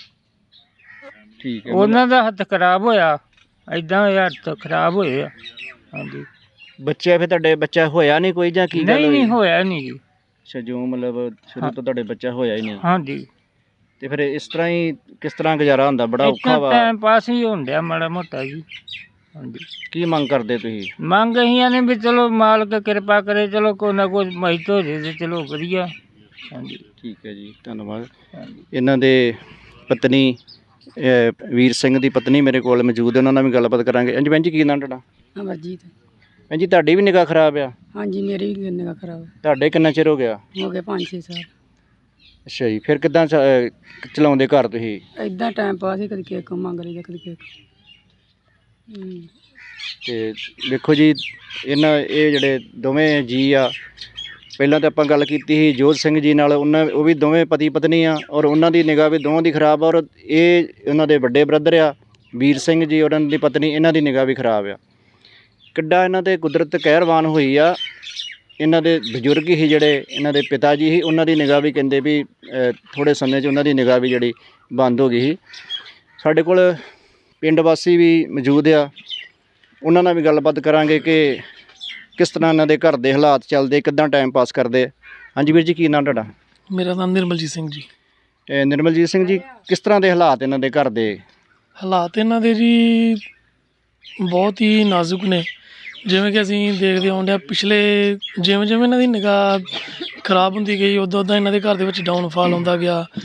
Speaker 1: ਠੀਕ ਹੈ।
Speaker 4: ਉਹਨਾਂ ਦਾ ਹੱਥ ਖਰਾਬ ਹੋਇਆ, ਐਦਾਂ ਹੋਇਆ ਹੱਥ ਖਰਾਬ ਹੋਏ ਆ। ਹਾਂਜੀ।
Speaker 1: ਬੱਚੇ ਫਿਰ ਤੁਹਾਡੇ ਬੱਚਾ ਹੋਇਆ ਨਹੀਂ ਕੋਈ ਜਾਂ ਕੀ ਗੱਲ
Speaker 4: ਨਹੀਂ
Speaker 1: ਹੋਈ?
Speaker 4: ਨਹੀਂ ਹੋਇਆ ਨਹੀਂ ਜੀ।
Speaker 1: ਅੱਛਾ, ਜੋ ਮਤਲਬ ਸ਼ੁਰੂ ਤੋਂ ਤੁਹਾਡੇ ਬੱਚਾ ਹੋਇਆ ਹੀ ਨਹੀਂ,
Speaker 4: ਹਾਂਜੀ।
Speaker 1: ਤੇ ਫਿਰ ਇਸ ਤਰ੍ਹਾਂ ਹੀ ਕਿਸ ਤਰ੍ਹਾਂ ਗੁਜ਼ਾਰਾ ਹੁੰਦਾ? ਬੜਾ ਔਖਾ
Speaker 4: ਇੱਦਾਂ
Speaker 1: ਵਾ।
Speaker 4: ਟਾਈਮ ਪਾਸ ਹੀ ਹੋਣ ਡਿਆ ਮਾੜਾ ਮੋਟਾ ਜੀ। ਹਾਂਜੀ।
Speaker 1: ਕੀ ਮੰਗ ਕਰਦੇ ਤੁਸੀਂ?
Speaker 4: ਮੰਗ ਅਸੀਂ ਨੇ ਵੀ ਚਲੋ ਮਾਲਕ ਕਿਰਪਾ ਕਰੇ, ਚਲੋ ਕੋਈ ਨਾ ਕੋਈ ਮਦਦ ਹੋ ਜੇ ਤੇ ਚਲੋ ਵਧੀਆ। ਹਾਂਜੀ।
Speaker 1: ਠੀਕ ਹੈ ਜੀ, ਧੰਨਵਾਦ।
Speaker 4: ਹਾਂਜੀ।
Speaker 1: ਇਹਨਾਂ ਦੇ ਪਤਨੀ ਅ, ਵੀਰ ਸਿੰਘ ਦੀ ਪਤਨੀ ਮੇਰੇ ਕੋਲ ਮੌਜੂਦ ਹੈ, ਉਹਨਾਂ ਨਾਲ ਵੀ ਗੱਲਬਾਤ ਕਰਾਂਗੇ। ਹਾਂਜੀ ਭੈਣ ਜੀ, ਕੀ ਨਾਂ ਤੁਹਾਡਾ?
Speaker 5: ਅਮਰਜੀਤ।
Speaker 1: ਭੈਣ ਜੀ, ਤੁਹਾਡੀ ਵੀ ਨਿਗਾਹ ਖਰਾਬ ਆ?
Speaker 5: ਹਾਂਜੀ, ਮੇਰੀ ਵੀ ਨਿਗਾਹ ਖਰਾਬ ਹੈ।
Speaker 1: ਤੁਹਾਡੇ ਕਿੰਨਾ ਚਿਰ ਹੋ ਗਿਆ?
Speaker 5: ਹੋ ਗਏ ਪੰਜ ਛੇ ਸਾਲ।
Speaker 1: ਅੱਛਾ ਜੀ, ਫਿਰ ਕਿੱਦਾਂ ਚ- ਅ, ਚਲਾਉਂਦੇ ਘਰ ਤੁਸੀਂ?
Speaker 5: ਇਦਾਂ ਟਾਈਮ ਪਾਸ ਹੀ, ਕਦੀ ਕਿਸੇ ਕੋਲ ਮੰਗ ਲਈਦਾ, ਕਦੀ ਕਿਸੇ ਕੋਲ। ਹੂੰ।
Speaker 1: ਤੇ ਵੇਖੋ ਜੀ, ਇਹਨਾਂ ਇਹ ਜਿਹੜੇ ਦੋਵੇਂ ਜੀ ਆ, ਪਹਿਲਾਂ ਤਾਂ ਆਪਾਂ ਗੱਲ ਕੀਤੀ ਸੀ ਜੋਤ ਸਿੰਘ ਜੀ ਨਾਲ, ਉਹਨਾਂ ਉਹ ਵੀ ਦੋਵੇਂ ਪਤੀ ਪਤਨੀ ਆ, ਔਰ ਉਹਨਾਂ ਦੀ ਨਿਗਾਹ ਵੀ ਦੋਵਾਂ ਦੀ ਖਰਾਬ ਆ, ਔਰ ਇਹ ਉਹਨਾਂ ਦੇ ਵੱਡੇ ਬ੍ਰਦਰ ਆ ਵੀਰ ਸਿੰਘ ਜੀ, ਉਹਨਾਂ ਦੀ ਪਤਨੀ, ਇਹਨਾਂ ਦੀ ਨਿਗਾਹ ਵੀ ਖਰਾਬ ਆ। ਕਿੱਡਾ ਇਹਨਾਂ ਤੇ ਕੁਦਰਤ ਕਹਿਰਵਾਨ ਹੋਈ ਆ। ਇਹਨਾਂ ਦੇ ਬਜ਼ੁਰਗ ਹੀ ਜਿਹੜੇ ਇਹਨਾਂ ਦੇ ਪਿਤਾ ਜੀ ਸੀ, ਉਹਨਾਂ ਦੀ ਨਿਗਾਹ ਵੀ ਕਹਿੰਦੇ ਵੀ ਅ, ਥੋੜ੍ਹੇ ਸਮੇਂ 'ਚ ਉਹਨਾਂ ਦੀ ਨਿਗਾਹ ਵੀ ਜਿਹੜੀ ਬੰਦ ਹੋ ਗਈ ਸੀ। ਸਾਡੇ ਕੋਲ ਪਿੰਡ ਵਾਸੀ ਵੀ ਮੌਜੂਦ ਆ, ਉਹਨਾਂ ਨਾਲ ਵੀ ਗੱਲਬਾਤ ਕਰਾਂਗੇ ਕਿ ਕਿਸ ਤਰ੍ਹਾਂ ਇਹਨਾਂ ਦੇ ਘਰ ਦੇ ਹਾਲਾਤ ਚੱਲਦੇ, ਕਿੱਦਾਂ ਟਾਈਮ ਪਾਸ ਕਰਦੇ। ਹਾਂਜੀ ਵੀਰ ਜੀ, ਕੀ ਨਾਮ ਤੁਹਾਡਾ?
Speaker 6: ਮੇਰਾ ਨਾਮ ਨਿਰਮਲਜੀਤ ਸਿੰਘ ਜੀ।
Speaker 1: ਇਹ ਨਿਰਮਲਜੀਤ ਸਿੰਘ ਜੀ, ਕਿਸ ਤਰ੍ਹਾਂ ਦੇ ਹਾਲਾਤ ਇਹਨਾਂ ਦੇ ਘਰ ਦੇ?
Speaker 6: ਹਾਲਾਤ ਇਹਨਾਂ ਦੇ ਜੀ ਬਹੁਤ ਹੀ ਨਾਜ਼ੁਕ ਨੇ। ਜਿਵੇਂ ਕਿ ਅਸੀਂ ਦੇਖਦੇ ਆਉਂਦੇ ਹਾਂ, ਪਿਛਲੇ ਜਿਵੇਂ ਜਿਵੇਂ ਇਹਨਾਂ ਦੀ ਨਿਗਾਹ ਖਰਾਬ ਹੁੰਦੀ ਗਈ, ਉੱਦਾਂ ਉੱਦਾਂ ਇਹਨਾਂ ਦੇ ਘਰ ਦੇ ਵਿੱਚ ਡਾਊਨਫਾਲ ਆਉਂਦਾ ਗਿਆ।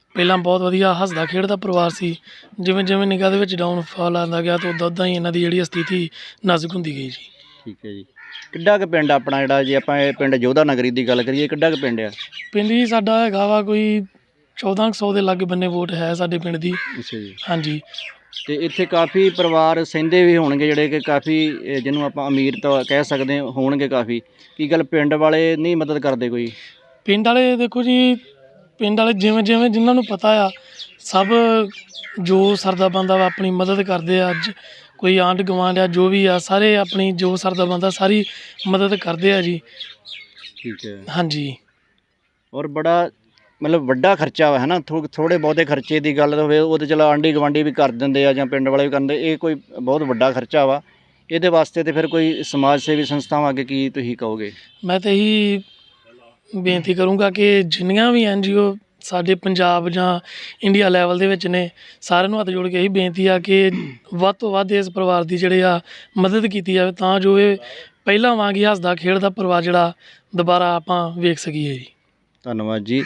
Speaker 6: ਪਹਿਲਾਂ ਬਹੁਤ ਵਧੀਆ ਹੱਸਦਾ ਖੇਡਦਾ ਪਰਿਵਾਰ ਸੀ। ਜਿਵੇਂ ਜਿਵੇਂ ਨਿਗਾਹ ਦੇ ਵਿੱਚ ਡਾਊਨਫਾਲ ਆਉਂਦਾ ਗਿਆ ਤਾਂ ਉੱਦਾਂ ਉੱਦਾਂ ਹੀ ਇਹਨਾਂ ਦੀ ਜਿਹੜੀ ਸਥਿਤੀ ਨਾਜ਼ੁਕ ਹੁੰਦੀ ਗਈ ਜੀ।
Speaker 1: ਠੀਕ ਹੈ ਜੀ। ਕਿੱਡਾ ਕੁ ਪਿੰਡ ਆਪਣਾ, ਜਿਹੜਾ ਜੇ ਆਪਾਂ ਇਹ ਪਿੰਡ ਜੋਧਾ ਨਗਰੀ ਦੀ ਗੱਲ ਕਰੀਏ, ਕਿੱਡਾ ਕੁ ਪਿੰਡ ਆ?
Speaker 6: ਪਿੰਡ ਜੀ ਸਾਡਾ ਹੈਗਾ ਵਾ ਕੋਈ ਚੌਦਾਂ ਕੁ ਸੌ ਦੇ ਲਾਗੇ ਬੰਨੇ ਵੋਟ ਹੈ ਸਾਡੇ ਪਿੰਡ ਦੀ।
Speaker 1: ਅੱਛਾ ਜੀ।
Speaker 6: ਹਾਂਜੀ।
Speaker 1: ਤੇ ਇੱਥੇ ਕਾਫੀ ਪਰਿਵਾਰ ਸਹਿੰਦੇ ਵੀ ਹੋਣਗੇ, ਜਿਹੜੇ ਕਿ ਕਾਫੀ ਅਹ, ਜਿਹਨੂੰ ਆਪਾਂ ਅਮੀਰ ਤਾਂ ਕਹਿ ਸਕਦੇ ਹਾਂ, ਹੋਣਗੇ ਕਾਫੀ। ਕੀ ਗੱਲ ਪਿੰਡ ਵਾਲੇ ਨਹੀਂ ਮਦਦ ਕਰਦੇ ਕੋਈ?
Speaker 6: ਪਿੰਡ ਵਾਲੇ ਦੇਖੋ ਜੀ, ਪਿੰਡ ਵਾਲੇ ਜਿਵੇਂ ਜਿਵੇਂ ਜਿਨ੍ਹਾਂ ਨੂੰ ਪਤਾ ਆ, ਸਭ ਜੋ ਸਰਦਾ ਬੰਦਾ ਵਾ ਆਪਣੀ ਮਦਦ ਕਰਦੇ ਆ। ਅੱਜ ਕੋਈ ਆਂਢ ਗੁਆਂਢ ਆ, ਜੋ ਵੀ ਆ, ਸਾਰੇ ਆਪਣੀ ਜੋ ਸਰਦਾ ਬੰਦਾ ਸਾਰੀ ਮਦਦ ਕਰਦੇ ਆ ਜੀ।
Speaker 1: ਠੀਕ ਹੈ।
Speaker 6: ਹਾਂਜੀ।
Speaker 1: ਔਰ ਬੜਾ ਮਤਲਬ ਵੱਡਾ ਖਰਚਾ ਵਾ, ਹੈ ਨਾ। ਥੋ ਥੋੜ੍ਹੇ ਬਹੁਤੇ ਖਰਚੇ ਦੀ ਗੱਲ ਹੋਵੇ ਉਹ ਤਾਂ ਚਲੋ ਆਂਢੀ ਗੁਆਂਢੀ ਵੀ ਕਰ ਦਿੰਦੇ ਆ ਜਾਂ ਪਿੰਡ ਵਾਲੇ ਵੀ ਕਰਦੇ। ਇਹ ਕੋਈ ਬਹੁਤ ਵੱਡਾ ਖਰਚਾ ਵਾ। ਇਹਦੇ ਵਾਸਤੇ ਤੇ ਫਿਰ ਕੋਈ ਸਮਾਜ ਸੇਵੀ ਸੰਸਥਾਵਾਂ ਅੱਗੇ ਕੀ ਤੁਸੀਂ ਕਹੋਗੇ?
Speaker 6: ਮੈਂ ਤਾਂ ਇਹੀ ਬੇਨਤੀ ਕਰੂੰਗਾ ਕਿ ਜਿੰਨੀਆਂ ਵੀ ਐਨ ਜੀ ਓ ਸਾਡੇ ਪੰਜਾਬ ਜਾਂ ਇੰਡੀਆ ਲੈਵਲ ਦੇ ਵਿੱਚ ਨੇ, ਸਾਰਿਆਂ ਨੂੰ ਹੱਥ ਜੋੜ ਕੇ ਇਹੀ ਬੇਨਤੀ ਆ ਕਿ ਵੱਧ ਤੋਂ ਵੱਧ ਇਸ ਪਰਿਵਾਰ ਦੀ ਜਿਹੜੇ ਆ ਮਦਦ ਕੀਤੀ ਜਾਵੇ, ਤਾਂ ਜੋ ਇਹ ਪਹਿਲਾਂ ਵਾਂਗ ਹੀ ਹੱਸਦਾ ਖੇਡਦਾ ਪਰਿਵਾਰ ਜਿਹੜਾ ਦੁਬਾਰਾ ਆਪਾਂ ਵੇਖ ਸਕੀਏ ਜੀ।
Speaker 1: ਧੰਨਵਾਦ ਜੀ।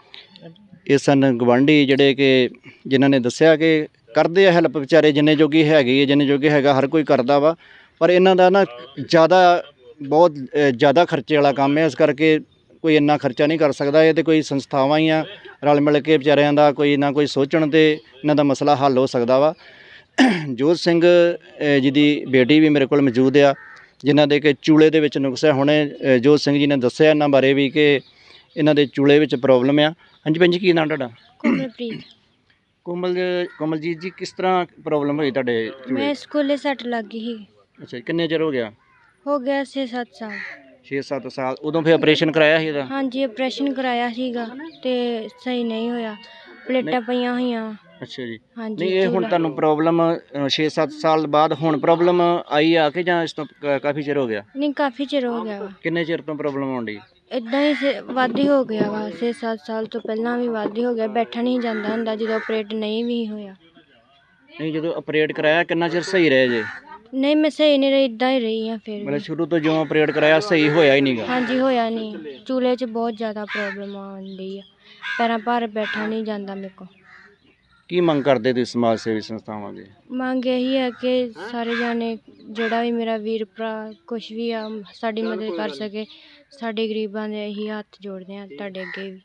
Speaker 1: ਇਹ ਸਨ ਗਵਾਂਢੀ ਜਿਹੜੇ ਕਿ ਜਿਨ੍ਹਾਂ ਨੇ ਦੱਸਿਆ ਕਿ ਕਰਦੇ ਆ ਹੈਲਪ, ਵਿਚਾਰੇ ਜਿੰਨੇ ਜੋਗੀ ਹੈਗੀ ਹੈ, ਜਿੰਨੇ ਜੋਗੇ ਹੈਗਾ ਹਰ ਕੋਈ ਕਰਦਾ ਵਾ। ਪਰ ਇਹਨਾਂ ਦਾ ਨਾ ਜ਼ਿਆਦਾ ਬਹੁਤ ਅ, ਜ਼ਿਆਦਾ ਖਰਚੇ ਵਾਲਾ ਕੰਮ ਹੈ, ਇਸ ਕਰਕੇ ਕੋਈ ਇੰਨਾ ਖਰਚਾ ਨਹੀਂ ਕਰ ਸਕਦਾ। ਇਹ ਤਾਂ ਕੋਈ ਸੰਸਥਾਵਾਂ ਹੀ ਆ, ਰਲ ਮਿਲ ਕੇ ਵਿਚਾਰਿਆਂ ਦਾ ਕੋਈ ਨਾ ਕੋਈ ਸੋਚਣ ਤੇ ਇਹਨਾਂ ਦਾ ਮਸਲਾ ਹੱਲ ਹੋ ਸਕਦਾ ਵਾ। ਜੋਧ ਸਿੰਘ ਅ, ਜੀ ਦੀ ਬੇਟੀ ਵੀ ਮੇਰੇ ਕੋਲ ਮੌਜੂਦ ਆ, ਜਿਨ੍ਹਾਂ ਦੇ ਕਿ ਚੂਲੇ ਦੇ ਵਿੱਚ ਨੁਕਸ ਹੈ। ਹੁਣੇ ਅ, ਜੋਧ ਸਿੰਘ ਜੀ ਨੇ ਦੱਸਿਆ ਇਹਨਾਂ ਬਾਰੇ ਵੀ ਕਿ ਇਹਨਾਂ ਦੇ ਚੂਲੇ ਵਿੱਚ ਪ੍ਰੋਬਲਮ ਆ। ਹਾਂਜੀ ਭੈਣ ਜੀ, ਕੀ ਨਾਮ ਤੁਹਾਡਾ?
Speaker 7: ਕੋਮਲਪ੍ਰੀਤ।
Speaker 1: ਕੋਮਲ ਕੋਮਲਜੀਤ ਜੀ, ਕਿਸ ਤਰ੍ਹਾਂ ਪ੍ਰੋਬਲਮ ਹੋਈ ਤੁਹਾਡੇ ਚੂਲੇ?
Speaker 7: ਮੈਂ ਸਕੂਲੇ ਸੱਟ ਲੱਗ ਗਈ ਸੀ।
Speaker 1: ਅੱਛਾ ਜੀ। ਕਿੰਨੇ ਚਿਰ ਹੋ ਗਿਆ?
Speaker 7: ਹੋ ਗਿਆ ਛੇ ਸੱਤ ਸਾਲ।
Speaker 1: ਛੇ ਸੱਤ ਸਾਲ। ਉਦੋਂ ਫਿਰ ਆਪਰੇਸ਼ਨ ਕਰਾਇਆ ਸੀ ਇਹਦਾ?
Speaker 7: ਹਾਂਜੀ, ਆਪਰੇਸ਼ਨ ਕਰਾਇਆ ਸੀਗਾ ਤੇ ਸਹੀ ਨਹੀਂ ਹੋਇਆ, ਪਲੇਟਾਂ ਪਈਆਂ ਹੋਈਆਂ।
Speaker 1: ਅੱਛਾ ਜੀ।
Speaker 7: ਹਾਂਜੀ।
Speaker 1: ਨਹੀਂ, ਇਹ ਹੁਣ
Speaker 7: ਚੂਲਾ-
Speaker 1: ਤੁਹਾਨੂੰ ਪ੍ਰੋਬਲਮ ਛੇ ਸੱਤ ਸਾਲ ਬਾਅਦ ਹੁਣ ਪ੍ਰੋਬਲਮ ਆਈ ਆ ਕਿ ਜਾਂ ਇਸ ਤੋਂ ਕ- ਕਾਫੀ ਚਿਰ ਹੋ ਗਿਆ?
Speaker 7: ਨਹੀਂ, ਕਾਫੀ ਚਿਰ ਹੋ ਗਿਆ ਵਾ।
Speaker 1: ਕਿੰਨੇ ਚਿਰ ਤੋਂ ਪ੍ਰੋਬਲਮ ਆਉਣ ਡਈ?
Speaker 7: ਇਦਾਂ ਹੀ ਸੇ- ਵੱਧ ਹੀ ਹੋ ਗਿਆ ਵਾ, ਛੇ ਸੱਤ ਸਾਲ ਤੋਂ ਪਹਿਲਾਂ ਵੀ ਵੱਧ ਹੀ ਹੋ ਗਿਆ। ਬੈਠਾ ਨਹੀਂ ਜਾਂਦਾ ਹੁੰਦਾ ਜਦੋਂ ਆਪਰੇਟ ਨਹੀਂ ਵੀ ਹੋਇਆ।
Speaker 1: ਨਹੀਂ, ਜਦੋਂ ਆਪਰੇਟ ਕਰਾਇਆ ਕਿੰਨਾ ਚਿਰ ਸਹੀ ਰਹੇ ਜੇ?
Speaker 7: ਨਹੀਂ, ਮੈਂ ਸਹੀ ਨਹੀਂ ਰਹੀ, ਇਦਾਂ ਹੀ ਰਹੀ ਆ ਫਿਰ
Speaker 1: ਮਤਲਬ
Speaker 7: ਵੀ।
Speaker 1: ਸ਼ੁਰੂ ਤੋਂ ਜਿਉਂ ਆਪਰੇਟ ਕਰਾਇਆ ਸਹੀ ਹੋਇਆ ਹੀ ਨਹੀਂਗਾ?
Speaker 7: ਹਾਂਜੀ, ਹੋਇਆ ਨਹੀਂ। ਚੂਲੇ 'ਚ ਬਹੁਤ ਜ਼ਿਆਦਾ ਪ੍ਰੋਬਲਮ ਆਉਂਦੀ ਆ, ਪੈਰਾਂ ਭਾਰ ਬੈਠਾ ਨਹੀਂ ਜਾਂਦਾ ਮੇਰੇ ਕੋਲ।
Speaker 1: ਕੀ ਮੰਗ ਕਰਦੇ ਤੁਸੀਂ ਸਮਾਜ ਸੇਵੀ ਸੰਸਥਾਵਾਂ ਦੇ?
Speaker 7: ਮੰਗ ਇਹੀ ਹੈ ਕਿ ਸਾਰੇ ਜਾਣੇ, ਜਿਹੜਾ ਵੀ ਮੇਰਾ ਵੀਰ ਭਰਾ ਕੁਛ ਵੀ ਆ, ਸਾਡੀ ਮਦਦ ਕਰ ਸਕੇ। ਸਾਡੇ ਗਰੀਬਾਂ ਦੇ ਇਹੀ ਹੱਥ ਜੋੜਦੇ ਆ ਤੁਹਾਡੇ ਅੱਗੇ ਵੀ।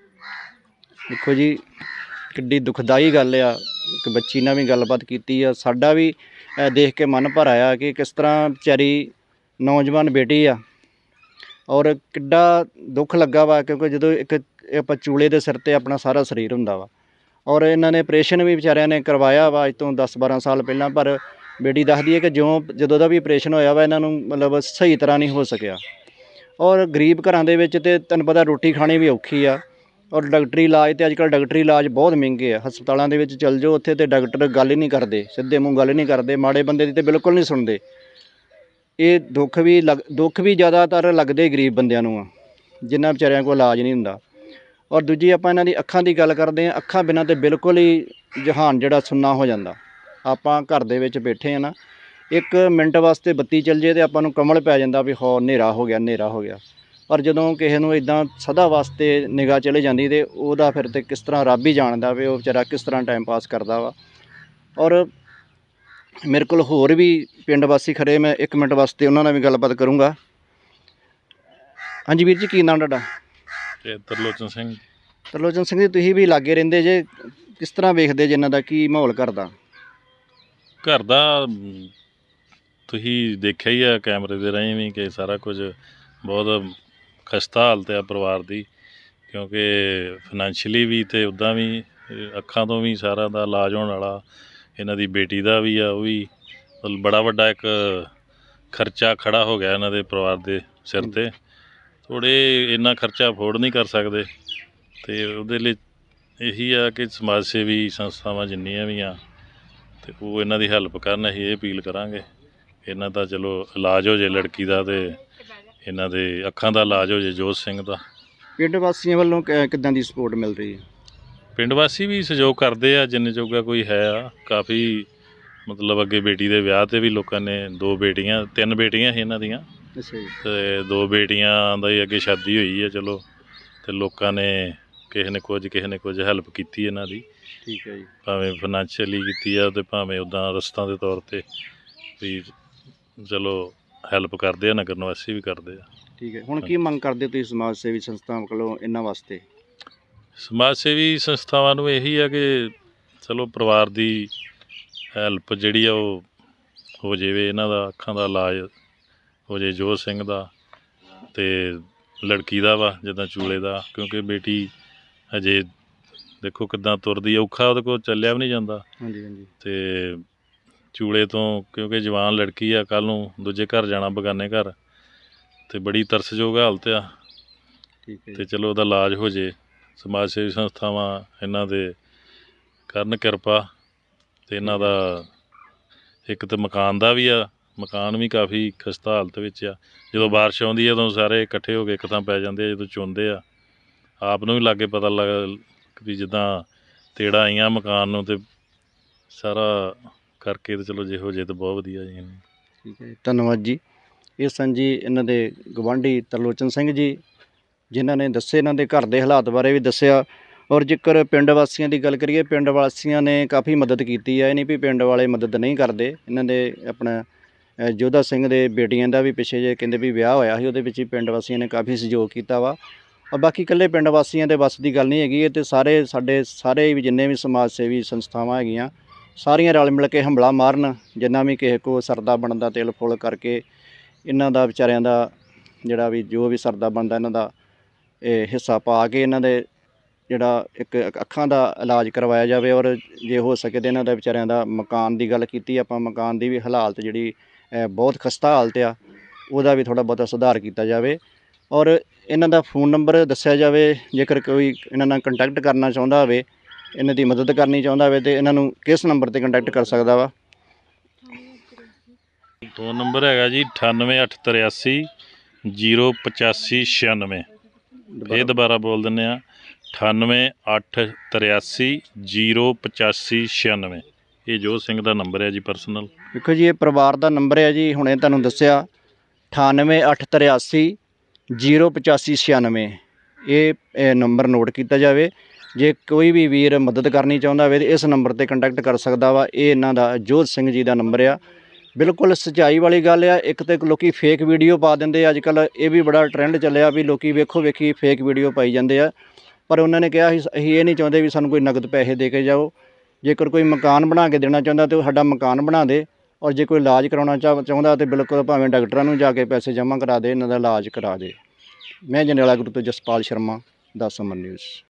Speaker 1: ਦੇਖੋ ਜੀ, ਕਿੱਡੀ ਦੁਖਦਾਈ ਗੱਲ ਆ। ਇੱਕ ਬੱਚੀ ਨਾਲ ਵੀ ਗੱਲਬਾਤ ਕੀਤੀ ਆ, ਸਾਡਾ ਵੀ ਅ, ਦੇਖ ਕੇ ਮਨ ਭਰ ਆਇਆ ਕਿ ਕਿਸ ਤਰ੍ਹਾਂ ਵਿਚਾਰੀ ਨੌਜਵਾਨ ਬੇਟੀ ਆ, ਔਰ ਕਿੱਡਾ ਦੁੱਖ ਲੱਗਾ ਵਾ। ਕਿਉਂਕਿ ਜਦੋਂ ਇੱਕ ਇਹ ਆਪਾਂ ਚੂਲੇ ਦੇ ਸਿਰ 'ਤੇ ਆਪਣਾ ਸਾਰਾ ਸਰੀਰ ਹੁੰਦਾ ਵਾ, ਔਰ ਇਹਨਾਂ ਨੇ ਆਪਰੇਸ਼ਨ ਵੀ ਵਿਚਾਰਿਆਂ ਨੇ ਕਰਵਾਇਆ ਵਾ ਅੱਜ ਤੋਂ ਦਸ ਬਾਰਾਂ ਸਾਲ ਪਹਿਲਾਂ। ਪਰ ਬੇਟੀ ਦੱਸਦੀ ਹੈ ਕਿ ਜਿਉਂ ਜਦੋਂ ਦਾ ਵੀ ਆਪਰੇਸ਼ਨ ਹੋਇਆ ਵਾ, ਇਹਨਾਂ ਨੂੰ ਮਤਲਬ ਸਹੀ ਤਰ੍ਹਾਂ ਨਹੀਂ ਹੋ ਸਕਿਆ। ਔਰ ਗਰੀਬ ਘਰਾਂ ਦੇ ਵਿੱਚ ਤੇ ਤੁਹਾਨੂੰ ਪਤਾ ਰੋਟੀ ਖਾਣੀ ਵੀ ਔਖੀ ਆ, ਔਰ ਡਾਕਟਰੀ ਇਲਾਜ ਤੇ ਅੱਜ ਕੱਲ੍ਹ ਡਾਕਟਰੀ ਇਲਾਜ ਬਹੁਤ ਮਹਿੰਗੇ ਆ। ਹਸਪਤਾਲਾਂ ਦੇ ਵਿੱਚ ਚੱਲ ਜਾਓ, ਉੱਥੇ ਤੇ ਡਾਕਟਰ ਗੱਲ ਹੀ ਨਹੀਂ ਕਰਦੇ, ਸਿੱਧੇ ਮੂੰਹ ਗੱਲ ਨਹੀਂ ਕਰਦੇ, ਮਾੜੇ ਬੰਦੇ ਦੀ ਤੇ ਬਿਲਕੁਲ ਨਹੀਂ ਸੁਣਦੇ। ਇਹ ਦੁੱਖ ਵੀ ਲੱਗ ਦੁੱਖ ਵੀ ਜ਼ਿਆਦਾਤਰ ਲੱਗਦੇ ਗਰੀਬ ਬੰਦਿਆਂ ਨੂੰ ਆ, ਜਿਨ੍ਹਾਂ ਵਿਚਾਰਿਆਂ ਕੋਲ ਇਲਾਜ ਨਹੀਂ ਹੁੰਦਾ। ਔਰ ਦੂਜੀ ਆਪਾਂ ਇਹਨਾਂ ਦੀ ਅੱਖਾਂ ਦੀ ਗੱਲ ਕਰਦੇ ਹਾਂ, ਅੱਖਾਂ ਬਿਨਾਂ ਤੇ ਬਿਲਕੁਲ ਹੀ ਜਹਾਨ ਜਿਹੜਾ ਸੁੰਨਾ ਹੋ ਜਾਂਦਾ। ਆਪਾਂ ਘਰ ਦੇ ਵਿੱਚ ਬੈਠੇ ਆ ਨਾ, ਇੱਕ ਮਿੰਟ ਵਾਸਤੇ ਬੱਤੀ ਚੱਲ ਜੇ ਤੇ ਆਪਾਂ ਨੂੰ ਕਮਲ ਪੈ ਜਾਂਦਾ ਵੀ ਹੋ ਹਨੇਰਾ ਹੋ ਗਿਆ, ਹਨੇਰਾ ਹੋ ਗਿਆ। ਪਰ ਜਦੋਂ ਕਿਸੇ ਨੂੰ ਇਦਾਂ ਸਦਾ ਵਾਸਤੇ ਨਿਗਾਹ ਚਲੇ ਜਾਂਦੀ ਤੇ ਉਹਦਾ ਫਿਰ ਤੇ ਕਿਸ ਤਰ੍ਹਾਂ ਰੱਬ ਹੀ ਜਾਣਦਾ ਵੀ ਉਹ ਵਿਚਾਰਾ ਕਿਸ ਤਰ੍ਹਾਂ ਟਾਈਮ ਪਾਸ ਕਰਦਾ ਵਾ। ਔਰ ਮੇਰੇ ਕੋਲ ਹੋਰ ਵੀ ਪਿੰਡ ਵਾਸੀ ਖੜੇ, ਮੈਂ ਇੱਕ ਮਿੰਟ ਵਾਸਤੇ ਉਹਨਾਂ ਨਾਲ ਵੀ ਗੱਲਬਾਤ ਕਰੂੰਗਾ। ਹਾਂਜੀ ਵੀਰ ਜੀ, ਕੀ ਨਾਮ ਤੁਹਾਡਾ?
Speaker 8: ਤੇ ਤਰਲੋਚਨ ਸਿੰਘ।
Speaker 1: ਤਰਲੋਚਨ ਸਿੰਘ ਜੀ, ਤੁਸੀਂ ਵੀ ਲਾਗੇ ਰਹਿੰਦੇ ਜੇ, ਕਿਸ ਤਰ੍ਹਾਂ ਵੇਖਦੇ ਜੇ ਇਹਨਾਂ ਦਾ ਕੀ ਮਾਹੌਲ ਘਰ ਦਾ?
Speaker 8: ਘਰ ਦਾ ਮ, ਤੁਸੀਂ ਦੇਖਿਆ ਹੀ ਆ ਕੈਮਰੇ ਦੇ ਰਾਹੀਂ ਵੀ ਕਿ ਸਾਰਾ ਕੁਝ ਬਹੁਤ ਖਸਤਾ ਹਾਲਤ ਆ ਪਰਿਵਾਰ ਦੀ, ਕਿਉਂਕਿ ਫਾਈਨੈਂਸ਼ੀਅਲੀ ਵੀ ਅਤੇ ਉੱਦਾਂ ਵੀ ਅ, ਅੱਖਾਂ ਤੋਂ ਵੀ ਸਾਰਾ ਦਾ ਇਲਾਜ ਹੋਣ ਵਾਲਾ। ਇਹਨਾਂ ਦੀ ਬੇਟੀ ਦਾ ਵੀ ਆ, ਉਹ ਵੀ ਮਤਲਬ ਬੜਾ ਵੱਡਾ ਇੱਕ ਖਰਚਾ ਖੜਾ ਹੋ ਗਿਆ ਇਹਨਾਂ ਦੇ ਪਰਿਵਾਰ ਦੇ ਸਿਰ 'ਤੇ। ਥੋੜ੍ਹੇ ਇੰਨਾ ਖਰਚਾ ਅਫੋਰਡ ਨਹੀਂ ਕਰ ਸਕਦੇ, ਅਤੇ ਉਹਦੇ ਲਈ ਇਹੀ ਆ ਕਿ ਸਮਾਜ ਸੇਵੀ ਸੰਸਥਾਵਾਂ ਜਿੰਨੀਆਂ ਵੀ ਆ ਅਤੇ ਉਹ ਇਹਨਾਂ ਦੀ ਹੈਲਪ ਕਰਨ। ਅਸੀਂ ਇਹ ਅਪੀਲ ਕਰਾਂਗੇ ਇਹਨਾਂ ਦਾ ਚਲੋ ਇਲਾਜ ਹੋ ਜੇ ਲੜਕੀ ਦਾ, ਅਤੇ ਇਹਨਾਂ ਦੇ ਅੱਖਾਂ ਦਾ ਇਲਾਜ ਹੋ ਜੇ ਜੋਧ ਸਿੰਘ ਦਾ।
Speaker 1: ਪਿੰਡ ਵਾਸੀਆਂ ਵੱਲੋਂ ਕ- ਕਿੱਦਾਂ ਦੀ ਸਪੋਰਟ ਮਿਲ ਰਹੀ ਹੈ?
Speaker 8: ਪਿੰਡ ਵਾਸੀ ਵੀ ਸਹਿਯੋਗ ਕਰਦੇ ਆ ਜਿੰਨੇ ਜੋਗਾ ਕੋਈ ਹੈ ਆ। ਕਾਫੀ ਮਤਲਬ ਅੱਗੇ ਬੇਟੀ ਦੇ ਵਿਆਹ 'ਤੇ ਵੀ ਲੋਕਾਂ ਨੇ, ਦੋ ਬੇਟੀਆਂ ਤਿੰਨ ਬੇਟੀਆਂ ਸੀ ਇਹਨਾਂ ਦੀਆਂ,
Speaker 1: ਅੱਛਾ ਜੀ।
Speaker 8: ਅਤੇ ਦੋ ਬੇਟੀਆਂ ਦਾ ਹੀ ਅੱਗੇ ਸ਼ਾਦੀ ਹੋਈ ਹੈ ਚਲੋ, ਅਤੇ ਲੋਕਾਂ ਨੇ ਕਿਸੇ ਨੇ ਕੁਝ ਕਿਸੇ ਨੇ ਕੁਝ ਹੈਲਪ ਕੀਤੀ ਇਹਨਾਂ ਦੀ,
Speaker 1: ਠੀਕ ਹੈ ਜੀ।
Speaker 8: ਭਾਵੇਂ ਫਾਈਨੈਂਸ਼ੀਅਲੀ ਕੀਤੀ ਆ ਅਤੇ ਭਾਵੇਂ ਉੱਦਾਂ ਰਸਤਾਂ ਦੇ ਤੌਰ 'ਤੇ ਵੀ ਚਲੋ ਹੈਲਪ ਕਰਦੇ ਆ, ਨਗਰ ਨਿਵਾਸੀ ਵੀ ਕਰਦੇ ਆ।
Speaker 1: ਠੀਕ ਹੈ, ਹੁਣ ਕੀ ਮੰਗ ਕਰਦੇ ਹੋ ਤੁਸੀਂ ਸਮਾਜ ਸੇਵੀ ਸੰਸਥਾਵਾਂ ਕੋਲੋਂ ਇਹਨਾਂ ਵਾਸਤੇ?
Speaker 8: ਸਮਾਜ ਸੇਵੀ ਸੰਸਥਾਵਾਂ ਨੂੰ ਇਹੀ ਆ ਕਿ ਚਲੋ ਪਰਿਵਾਰ ਦੀ ਹੈਲਪ ਜਿਹੜੀ ਆ ਉਹ ਹੋ ਜਾਵੇ, ਇਹਨਾਂ ਦਾ ਅੱਖਾਂ ਦਾ ਇਲਾਜ ਹੋ ਜੇ ਜੋਧ ਸਿੰਘ ਦਾ ਅਤੇ ਲੜਕੀ ਦਾ ਵਾ ਜਿੱਦਾਂ ਚੂਲੇ ਦਾ, ਕਿਉਂਕਿ ਬੇਟੀ ਹਜੇ ਦੇਖੋ ਕਿੱਦਾਂ ਤੁਰਦੀ ਆ, ਔਖਾ ਉਹਦੇ ਕੋਲ ਚੱਲਿਆ ਵੀ ਨਹੀਂ ਜਾਂਦਾ।
Speaker 1: ਹਾਂਜੀ ਹਾਂਜੀ।
Speaker 8: ਅਤੇ ਚੂਲੇ ਤੋਂ ਕਿਉਂਕਿ ਜਵਾਨ ਲੜਕੀ ਆ, ਕੱਲ੍ਹ ਨੂੰ ਦੂਜੇ ਘਰ ਜਾਣਾ ਬੇਗਾਨੇ ਘਰ, ਅਤੇ ਬੜੀ ਤਰਸਯੋਗ ਹਾਲਤ ਆ।
Speaker 1: ਠੀਕ ਹੈ
Speaker 8: ਅਤੇ ਚਲੋ ਉਹਦਾ ਇਲਾਜ ਹੋ ਜੇ, ਸਮਾਜ ਸੇਵੀ ਸੰਸਥਾਵਾਂ ਇਹਨਾਂ ਦੇ ਕਰਨ ਕਿਰਪਾ। ਅਤੇ ਇਹਨਾਂ ਦਾ ਇੱਕ ਤਾਂ ਮਕਾਨ ਦਾ ਵੀ ਆ, ਮਕਾਨ ਵੀ ਕਾਫੀ ਖਸਤਾ ਹਾਲਤ ਵਿੱਚ ਆ। ਜਦੋਂ ਬਾਰਿਸ਼ ਆਉਂਦੀ ਹੈ ਉਦੋਂ ਸਾਰੇ ਇਕੱਠੇ ਹੋ ਕੇ ਇੱਕ ਥਾਂ ਪੈ ਜਾਂਦੇ ਆ, ਜਦੋਂ ਚੁੰਦੇ ਆ ਆਪ ਨੂੰ ਵੀ ਲਾਗੇ ਪਤਾ ਲੱਗ ਵੀ ਜਿੱਦਾਂ ਤੇੜਾਂ ਆਈਆਂ ਮਕਾਨ ਨੂੰ, ਅਤੇ ਸਾਰਾ ਕਰਕੇ ਅਤੇ ਚਲੋ ਜੇ ਹੋ ਜੇ ਤਾਂ ਬਹੁਤ ਵਧੀਆ ਜੀ।
Speaker 1: ਠੀਕ ਹੈ, ਧੰਨਵਾਦ ਜੀ। ਇਹ ਸਨ ਜੀ ਇਹਨਾਂ ਦੇ ਗਵਾਂਢੀ ਤਰਲੋਚਨ ਸਿੰਘ ਜੀ, ਜਿਨ੍ਹਾਂ ਨੇ ਦੱਸੇ ਇਹਨਾਂ ਦੇ ਘਰ ਦੇ ਹਾਲਾਤ ਬਾਰੇ ਵੀ ਦੱਸਿਆ। ਔਰ ਜੇਕਰ ਪਿੰਡ ਵਾਸੀਆਂ ਦੀ ਗੱਲ ਕਰੀਏ, ਪਿੰਡ ਵਾਸੀਆਂ ਨੇ ਕਾਫੀ ਮਦਦ ਕੀਤੀ ਹੈ, ਇਹ ਨਹੀਂ ਵੀ ਪਿੰਡ ਵਾਲੇ ਮਦਦ ਨਹੀਂ ਕਰਦੇ। ਇਹਨਾਂ ਦੇ ਆਪਣਾ ਅ, ਜੋਧਾ ਸਿੰਘ ਦੇ ਬੇਟੀਆਂ ਦਾ ਵੀ ਪਿੱਛੇ ਜੇ ਕਹਿੰਦੇ ਵੀ ਵਿਆਹ ਹੋਇਆ ਸੀ, ਉਹਦੇ ਵਿੱਚ ਵੀ ਪਿੰਡ ਵਾਸੀਆਂ ਨੇ ਕਾਫੀ ਸਹਿਯੋਗ ਕੀਤਾ ਵਾ। ਔਰ ਬਾਕੀ ਇਕੱਲੇ ਪਿੰਡ ਵਾਸੀਆਂ ਦੇ ਵੱਸ ਦੀ ਗੱਲ ਨਹੀਂ ਹੈਗੀ, ਇਹ ਤਾਂ ਸਾਰੇ ਸਾਡੇ ਸਾਰੇ ਵੀ ਜਿੰਨੇ ਵੀ ਸਮਾਜ ਸੇਵੀ ਸੰਸਥਾਵਾਂ ਹੈਗੀਆਂ ਸਾਰੀਆਂ ਰਲ ਮਿਲ ਕੇ ਹੰਬਲਾ ਮਾਰਨ, ਜਿੰਨਾ ਵੀ ਕਿਸੇ ਕੋ ਸਰਦਾ ਬਣਦਾ ਤਿਲ ਫੁੱਲ ਕਰਕੇ ਇਹਨਾਂ ਦਾ ਵਿਚਾਰਿਆਂ ਦਾ ਜਿਹੜਾ ਵੀ ਜੋ ਵੀ ਸਰਦਾ ਬਣਦਾ ਇਹਨਾਂ ਦਾ ਇਹ ਹਿੱਸਾ ਪਾ ਕੇ ਇਹਨਾਂ ਦੇ ਜਿਹੜਾ ਇੱਕ ਅੱਖਾਂ ਦਾ ਇਲਾਜ ਕਰਵਾਇਆ ਜਾਵੇ। ਔਰ ਜੇ ਹੋ ਸਕੇ ਤਾਂ ਇਹਨਾਂ ਦਾ ਵਿਚਾਰਿਆਂ ਦਾ ਮਕਾਨ ਦੀ ਗੱਲ ਕੀਤੀ ਆਪਾਂ, ਮਕਾਨ ਦੀ ਵੀ ਹਾਲਾਤ ਜਿਹੜੀ ਬਹੁਤ ਖਸਤਾ ਹਾਲਤ ਆ, ਉਹਦਾ ਵੀ ਥੋੜ੍ਹਾ ਬਹੁਤਾ ਸੁਧਾਰ ਕੀਤਾ ਜਾਵੇ। ਔਰ ਇਹਨਾਂ ਦਾ ਫੋਨ ਨੰਬਰ ਦੱਸਿਆ ਜਾਵੇ, ਜੇਕਰ ਕੋਈ ਇਹਨਾਂ ਨਾਲ ਕੰਟੈਕਟ ਕਰਨਾ ਚਾਹੁੰਦਾ ਹੋਵੇ, ਇਹਨਾਂ ਦੀ ਮਦਦ ਕਰਨੀ ਚਾਹੁੰਦਾ ਹੋਵੇ, ਤਾਂ ਇਹਨਾਂ ਨੂੰ ਕਿਸ ਨੰਬਰ 'ਤੇ ਕੰਟੈਕਟ ਕਰ ਸਕਦਾ ਵਾ?
Speaker 8: ਫ਼ੋਨ ਨੰਬਰ ਹੈਗਾ ਜੀ ਅਠਾਨਵੇਂ ਅੱਠ ਤਰਿਆਸੀ ਜੀਰੋ ਪਚਾਸੀ ਛਿਆਨਵੇਂ। ਇਹ ਦੁਬਾਰਾ ਬੋਲ ਦਿੰਦੇ ਹਾਂ, ਅਠਾਨਵੇਂ ਅੱਠ ਤਰਿਆਸੀ ਜੀਰੋ ਪਚਾਸੀ ਛਿਆਨਵੇਂ। ਇਹ ਜੋਧ ਸਿੰਘ ਦਾ ਨੰਬਰ ਹੈ ਜੀ ਪਰਸਨਲ।
Speaker 1: ਦੇਖੋ ਜੀ, ਇਹ ਪਰਿਵਾਰ ਦਾ ਨੰਬਰ ਹੈ ਜੀ, ਹੁਣੇ ਤੁਹਾਨੂੰ ਦੱਸਿਆ ਅਠਾਨਵੇਂ ਅੱਠ ਤਰਿਆਸੀ ਜੀਰੋ ਪਚਾਸੀ ਛਿਆਨਵੇਂ। ਇਹ ਨੰਬਰ ਨੋਟ ਕੀਤਾ ਜਾਵੇ। ਜੇ ਕੋਈ ਵੀ ਵੀਰ ਮਦਦ ਕਰਨੀ ਚਾਹੁੰਦਾ ਹੋਵੇ ਤਾਂ ਇਸ ਨੰਬਰ 'ਤੇ ਕੰਟੈਕਟ ਕਰ ਸਕਦਾ ਵਾ। ਇਹ ਇਹਨਾਂ ਦਾ ਜੋਧ ਸਿੰਘ ਜੀ ਦਾ ਨੰਬਰ ਆ। ਬਿਲਕੁਲ ਸੱਚਾਈ ਵਾਲੀ ਗੱਲ ਆ। ਇੱਕ ਤਾਂ ਲੋਕੀ ਫੇਕ ਵੀਡੀਓ ਪਾ ਦਿੰਦੇ ਆ, ਅੱਜ ਕੱਲ੍ਹ ਇਹ ਵੀ ਬੜਾ ਟਰੈਂਡ ਚੱਲਿਆ ਵੀ ਲੋਕੀ ਵੇਖੋ ਵੇਖੀ ਫੇਕ ਵੀਡੀਓ ਪਾਈ ਜਾਂਦੇ ਆ। ਪਰ ਉਹਨਾਂ ਨੇ ਕਿਹਾ ਸੀ ਅਸੀਂ ਇਹ ਨਹੀਂ ਚਾਹੁੰਦੇ ਵੀ ਸਾਨੂੰ ਕੋਈ ਨਗਦ ਪੈਸੇ ਦੇ ਕੇ ਜਾਓ। ਜੇਕਰ ਕੋਈ ਮਕਾਨ ਬਣਾ ਕੇ ਦੇਣਾ ਚਾਹੁੰਦਾ ਤਾਂ ਉਹ ਸਾਡਾ ਮਕਾਨ ਬਣਾ ਦੇ। ਔਰ ਜੇ ਕੋਈ ਇਲਾਜ ਕਰਾਉਣਾ ਚਾਹ ਚਾਹੁੰਦਾ ਤਾਂ ਬਿਲਕੁਲ ਭਾਵੇਂ ਡਾਕਟਰਾਂ ਨੂੰ ਜਾ ਕੇ ਪੈਸੇ ਜਮ੍ਹਾਂ ਕਰਾ ਦੇ, ਇਹਨਾਂ ਦਾ ਇਲਾਜ ਕਰਾ ਦੇ। ਮੈਂ ਜੰਡਿਆਲਾ ਗੁਰੂ ਤੋਂ ਜਸਪਾਲ ਸ਼ਰਮਾ, ਦਸ ਅਮਰ ਨਿਊਜ਼।